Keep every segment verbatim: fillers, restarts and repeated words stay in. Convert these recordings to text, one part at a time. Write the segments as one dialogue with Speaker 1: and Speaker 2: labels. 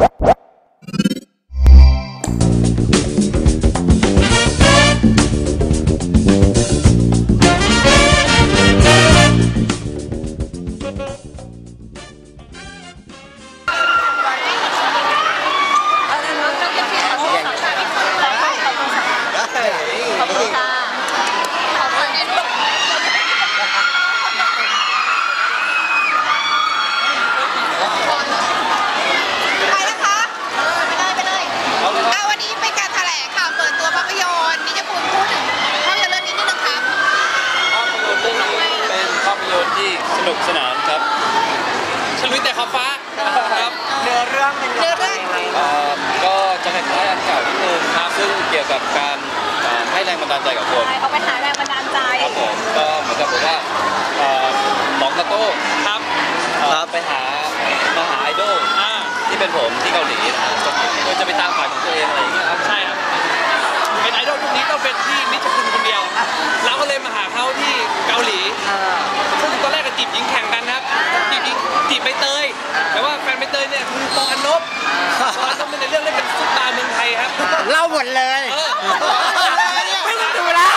Speaker 1: สนุกสนานครับฉลุยแต่ขอบฟ้าครับ
Speaker 2: เนื้อเรื่องเป็นเนื้อเรื่อง
Speaker 1: ก็จะคล้ายๆอันเก่านิดนึงครับซึ่งเกี่ยวกับการให้แรงบันดาลใจกับคน
Speaker 3: เขาไปหาแรงบันดาลใจ
Speaker 1: ครับผมก็เหมือนกับว่าหมองกระโต้ครับไปหามาหาไอดอลที่เป็นผมที่เกาหลีนะครับโดยจะไปตามฝันของตัวเองอะไรอย่างเงี้ยครับ
Speaker 4: ใช่ครับเป็นไอดอลยุคนี้ต้องเป็นที่นิชคุณคนเดียวเราก็เลยมาหาเขาที่เกาหลีซึ่งตอนแรกก็จีบหญิงแข่งกันครับจีบหญิงจีบใบเตยแต่ว่าแฟนใบเตยเนี่ยคือปออันนบปออันนบในเรื่องเล่นเป็นซุปตาร์เมืองไทยครับ
Speaker 2: เล่าหมดเลยไม่ต้องดูแล้ว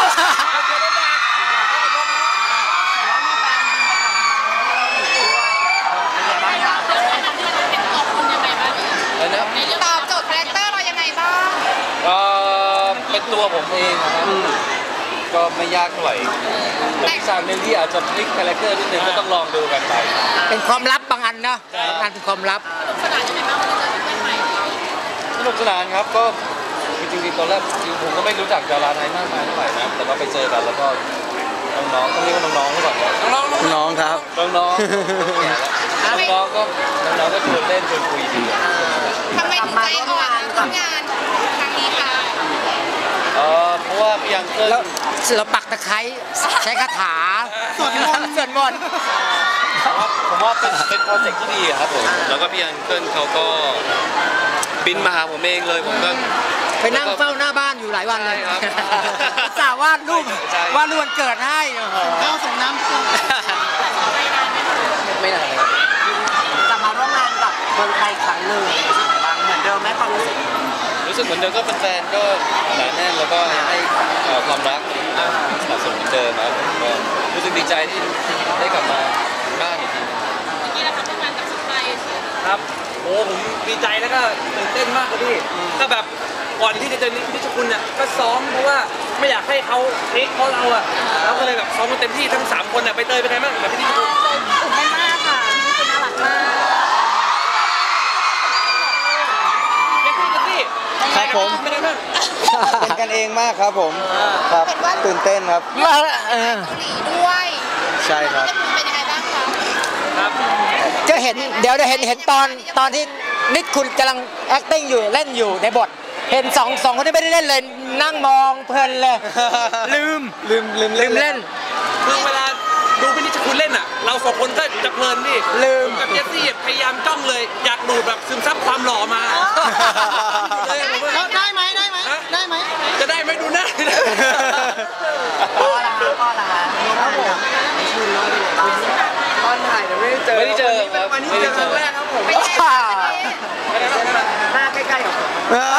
Speaker 3: ตอบโจทย์คาแรคเตอร์เรายังไงบ้าง
Speaker 1: ก็เป็นตัวผมเองนะครับก็ไม่ยากเท่าไหร่แต่อีกอย่างหนึ่งที่อาจจะพลิกคาแรคเตอร์นิดนึงก็ต้องลองดูกันไป
Speaker 2: เป็นความลับบางอันนะบางอันเป็นความลับ
Speaker 3: สนานยังไงบ้างเราเจอเพื่อนใหม่
Speaker 1: สนุกสนานครับก็จริงๆตอนแรกผมก็ไม่รู้จักดาราไทยมากมายเท่าไหร่นะแต่ว่าไปเจอกันแล้วก็น้องๆต้องเรียกว่าน้องๆหรือเปล่า
Speaker 2: น้องๆน้องครับ
Speaker 1: น้องๆน้องๆก็น้องๆก็ชวนเล่นชวนคุยดี
Speaker 3: ทำไมถึงใจอ่อนทำงานครั้งนี้คะ
Speaker 1: เออเพราะว่าพี่ยังเกิน
Speaker 2: เราปักตะไคร้ใช้คาถาสวดมนต์สวดมนต์
Speaker 1: ผมว่าเป็นเป็นโปรเจกต์ที่ดีครับผมแล้วก็พี่ยังเกินเขาก็บินมาหาผมเองเลยผมก็
Speaker 2: ไปนั่งเฝ้าหน้าบ้านอยู่หลายวันเลยครับสาววาดรูปวาดรูปวันเกิดให้เข้าส่งน้ำ
Speaker 1: ไม่นานเลย
Speaker 2: จะมาร่วมงานกับเมืองไทยครั้งหนึ่งบางเหมือนเดิมไหมความรู้สึก
Speaker 1: รู้สึกเหมือนเดิมก็เป็นแฟนก็หนาแน่นแล้วก็ให้ความรักสนับสนุนเหมือนเดิมนะก็รู้สึกดีใจที่ได้กลับมาบ้านอีกที
Speaker 3: นี่แหละครับทำงานกับสไตล์
Speaker 4: ครับโอ้ผมดีใจแล้วก็ตื่นเต้นมากเลยพี่ก็แบบก่อนที่จะเจอนิชคุณเนี่ยก็ซ้อมเพราะว่าไม่อยากให้เขาเทคเพราะเราอะแล้วก็เลยแบบซ้อมกันเต็มที่ทั้งสามคนเนี่ยไปเตยเป็นไงบ้างแบบพี่นิชคุณ
Speaker 3: ตื่นเต้นมากค่ะนิชคุณน่ารักมาก
Speaker 1: ครับผมเป็นกันเองมากครับผมครับตื่นเต้นครับ
Speaker 3: เกาหลีด้วย
Speaker 1: ใช่ครับ
Speaker 3: เป็นยังไงบ้างคะ
Speaker 4: ครับ
Speaker 2: จะเห็นเดี๋ยวจะเห็นเห็นตอนตอนที่นิชคุณกำลัง acting อยู่เล่นอยู่ในบทเห็นสองสองคนที่ไม่ได้เล่นเลยนั่งมองเพลินเลยลืม
Speaker 1: ลืมลืม
Speaker 2: ลืมเล่น
Speaker 4: คือเวลาดูพี่นิชคุณเล่นอ่ะเราสองคนก็จะเพลินดิ
Speaker 2: ลืม
Speaker 4: กับเจสซี่พยายามจ้องเลยอยากดูดแบบซึมซับความหล่อมา
Speaker 2: ได้ไหมได้ไหมได้ไหม
Speaker 4: จะได้ไหมดูหน้า
Speaker 2: พ่อละพ่อละครับผมตอนถ่ายเราไม่ได้เจอ
Speaker 1: ไม่ได้เจอครับ
Speaker 4: วันนี้เจอครั้งแรกครับผม
Speaker 2: หน้าใกล้ๆกับผม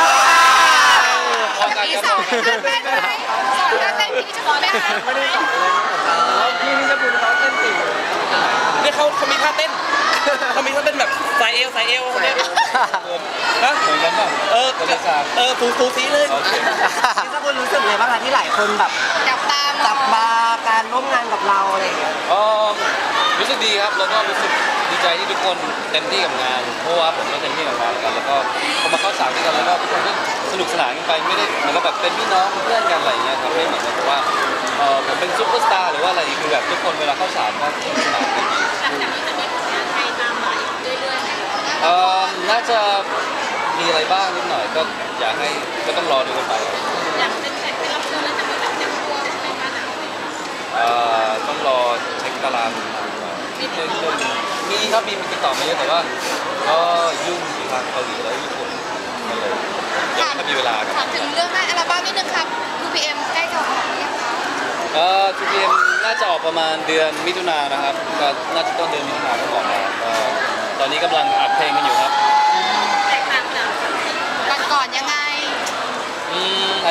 Speaker 3: พี่สอนเต้นไหมสอนเต้นพี่จะสอนไหมคะ
Speaker 2: ไม่ได้สอนเลยพี่นี่จะพูดเขาเต้นจริง
Speaker 4: นี่เขาเขามีท่าเต้นเขามีท่าเต้นแบบสายเอวสายเอวเนี่ย
Speaker 1: นะเหมือนกันป่ะ
Speaker 4: เออเออฟูฟูซีเลย
Speaker 2: พี่จะพูดรู้สึกเลยบ้างคะที่หลายคนแบบ
Speaker 3: จับตา
Speaker 2: จับมาการร่วมงานกับเราอะไรอย่างเงี้ย
Speaker 1: อ๋อรู้สึกดีครับแล้วก็รู้สึกดีใจที่ทุกคนเต็มที่กับงานเพราะว่าผมก็เต็มที่กับงานกันแล้วก็พอมาเข้าฉากด้วยกันแล้วก็ทุกคนก็สนุกสนานกันไปไม่ได้เหมือนกับแบบเป็นพี่น้องเพื่อนกันอะไรเงี้ยครับไม่เหมือนกับว่าเออผมเป็นซุปเปอร์สตาร์หรือว่าอะไรคือแบบทุกคนเวลาเข้าฉากก็สนุกสนานกันดี
Speaker 3: หลังจากนี้จะมีผลงานไทยตามมาอีกเรื่อยๆไหม
Speaker 1: เออน่าจะมีอะไรบ้างนิดหน่อยก็อยากให้ก็ต้องรอดูกันไป
Speaker 3: อยากเป็นแขกเป็นรับเชิญแล้วจะมีแบบเต็มตัวใช่ไหมคะ
Speaker 1: เอ่อต้องรอเช็คตารางนิดนึงมีครับมีติดต่อมาเยอะแต่ว่าก็ยุ่งอยู่ทางเกาหลีแล้วญี่ปุ่นมาเลยยังไม่มีเวลา
Speaker 3: ถามถึงเรื่องหน้าอัลบั้มนิดนึงครับ ทู พี เอ็ม ใกล้จะออกหรือยังคะ
Speaker 1: เอ่อ ทู พี เอ็ม น่าจะออกประมาณเดือนมิถุนายนนะครับก็น่าจะต้นเดือนมิถุนายนก็ออกมาตอนนี้กำลังอัดเพลงกันอยู่ครับ
Speaker 3: แตกต่าง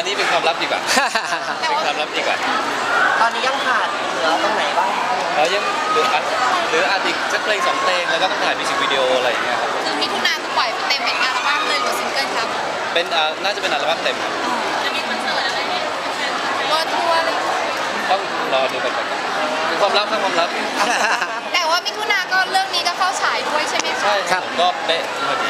Speaker 1: อนนี้เป็นความลับดีกว่า
Speaker 3: แต่
Speaker 1: เป็น
Speaker 3: ว่า
Speaker 1: ความลับดีกว่า
Speaker 2: ตอนนี้ยังขาดเหลือตรงไหนบ้าง
Speaker 1: แล้วยังเหลืออัดเหลืออัดอีกสักเพลงสองเพลงแล้วก็ต้องถ่ายมิวสิกวิดีโออะไรอย่างเงี้ยครับ
Speaker 3: คือมิถุนาคือปล่อยเต็มเป็นอัลบั้มเลยหรือซิงเกิลครับ
Speaker 1: เป็นอ่าน่าจะเป็นอัลบั้มเต็มครับ
Speaker 3: จะมีคอนเสิร์ตอะไรเนี่ยรถทัวร์เลย
Speaker 1: ต้องรอดูกันไปก่อนเป็นความลับครับความลับ
Speaker 3: แต่ว่ามิถุนาก็เรื่องนี้ก็เข้าฉายด้วยใช่ไหมคะ
Speaker 1: ใช่
Speaker 2: ครับ
Speaker 1: ก็เป๊ะพอดี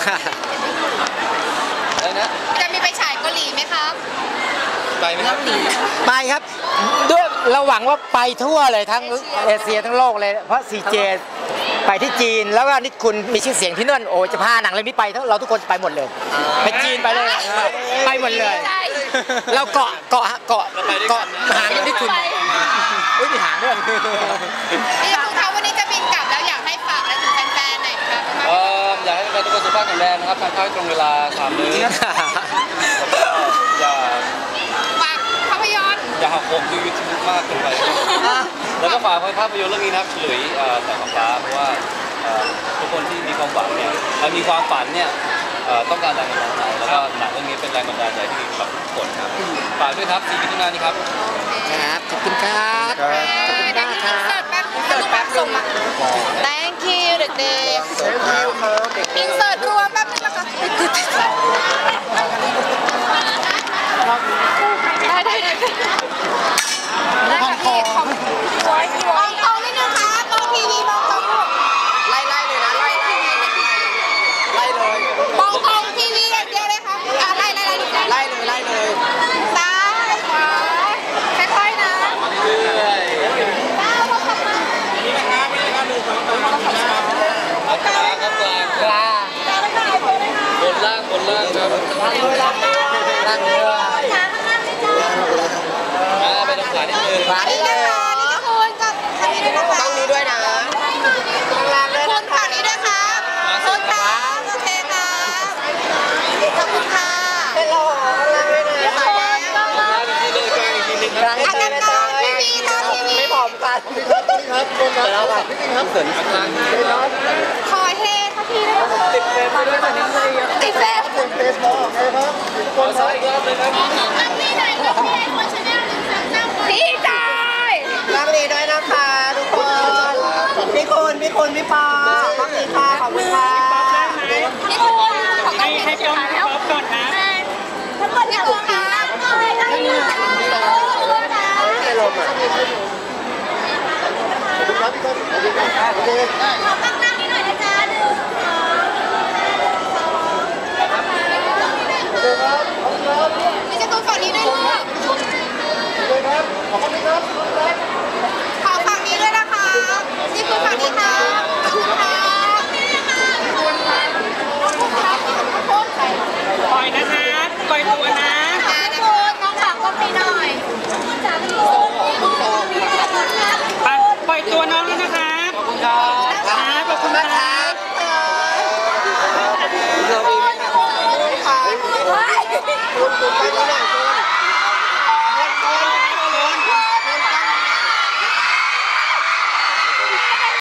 Speaker 1: อะไรนะ
Speaker 3: จะมีไปฉายเกาหลีไหมครับ
Speaker 1: ไปไหมครับ
Speaker 2: ไปครับด้วยเราหวังว่าไปทั่วเลยทั้งเอเชียทั้งโลกเลยเพราะ ซี เจ ไปที่จีนแล้วก็นิดคุณมีชื่อเสียงที่นั่นโอ้จะพาหนังเรื่องนี้ไปเราทุกคนไปหมดเลยไปจีนไปเลยไปหมดเลย
Speaker 3: ใช่
Speaker 2: เราเกาะเกาะเกาะเกาะหางนิดคุณอุ้ยมีหางด้วย
Speaker 3: นี่คือเขาวันนี้จะบินกลับแล้วอยากให้ฝากอะไรถึงแฟนๆหน่อยครับ
Speaker 1: เอ่ออยากให้แฟนๆทุกคนสุขภาพแข็งแรงนะครับทานข้าวให้ตรงเวลาสามมื้อแล้วก็อย่า
Speaker 3: ฝากภาพยนตร์
Speaker 1: อย่าหักโหมดูยูทูบมากเกินไป แล้วก็ฝากภาพยนตร์เรื่องนี้นะครับเฉลยเอ่อแสงฟ้าเพราะว่าเอ่อทุกคนที่มีความฝันเนี่ยเอ่อมีความฝันเนี่ยเอ่อต้องการแรงบันดาลใจแล้วก็หนังเรื่องนี้เป็นแรงบันดาลใจที่ดีสำหรับทุกคนครับฝากด้วยครับสี่มิถุนายนนี้ครับ
Speaker 2: ครับขอบคุณครับ
Speaker 3: เดี๋ยวอินเสิร์ตแป๊บอินเสิร์ตแป๊บส่งมา thank you เด็กๆอินเสิร์ตรวมแป๊บนึงนะคะได้ได้ได้ได้ค่ะพี่ของมองตรงนิดนึงค่ะมองทีวีมองตรง
Speaker 2: ไล่ไล่เลยนะไล่ไล่ไล่เลย
Speaker 3: มองตรงทีวีอย่างเดียวเลยค่ะอ่ะไล่ไล่ไล่ไล่
Speaker 2: ไล่เลยไล่เลย
Speaker 3: ซ้ายขวาค่อยๆนะก้าวเข้ามา
Speaker 1: เอากลางครับกลาง
Speaker 2: กลา
Speaker 1: บนล่างบนล่างครับ
Speaker 2: นั่งเรือ
Speaker 1: อ่าไปตรงขานิดนึง
Speaker 2: ขวา
Speaker 3: นี่
Speaker 2: นี่
Speaker 3: นะ
Speaker 2: เลย
Speaker 3: คะนี่ก็คุณกับทางนี้ด้วยนะคะ
Speaker 2: ต้องนี้ด้วยนะ
Speaker 3: คุณฝั่งนี้ด้วยครับคุณครับโอเคครับขอบคุณค่ะ
Speaker 2: เป็นโลข้างล่างด้วยนะ
Speaker 3: ขอบคุณค่ะ
Speaker 1: กลางอีกทีนึงกลางอีกทีนึง
Speaker 2: ก
Speaker 1: ค
Speaker 2: ลา
Speaker 1: รับ
Speaker 2: งให้เลยนะทีวีนะทีวีไม่พร้อมกันครับเดี๋ยวเราแบบพี่ครับเสริม
Speaker 1: กลาง
Speaker 3: ขอเฮค่ะพี่ด้วยนะคะ
Speaker 2: ติดเฟรมไปด้วยตอนนี้เลยเยอะ
Speaker 3: ติดแฟน
Speaker 2: ติดเฟซบุ๊กโอเคครับ
Speaker 1: ขอซ้ายอีกรอบเลยครับ
Speaker 3: พี่จอย
Speaker 2: รักดีด้วยนะคะทุกคนพี่คุณพี่คุณพี่ปอขอบคุณค่ะขอบคุณค่ะ
Speaker 3: พี่คุณขอต้องเห็นสุดท้ายแล้วก่อนนะทั้งหมดพี่คุณค่ะได้เลยนะ
Speaker 2: ไม่ลมอ่ะขอบคุณครับพี่คุณขอบคุณครับโอเค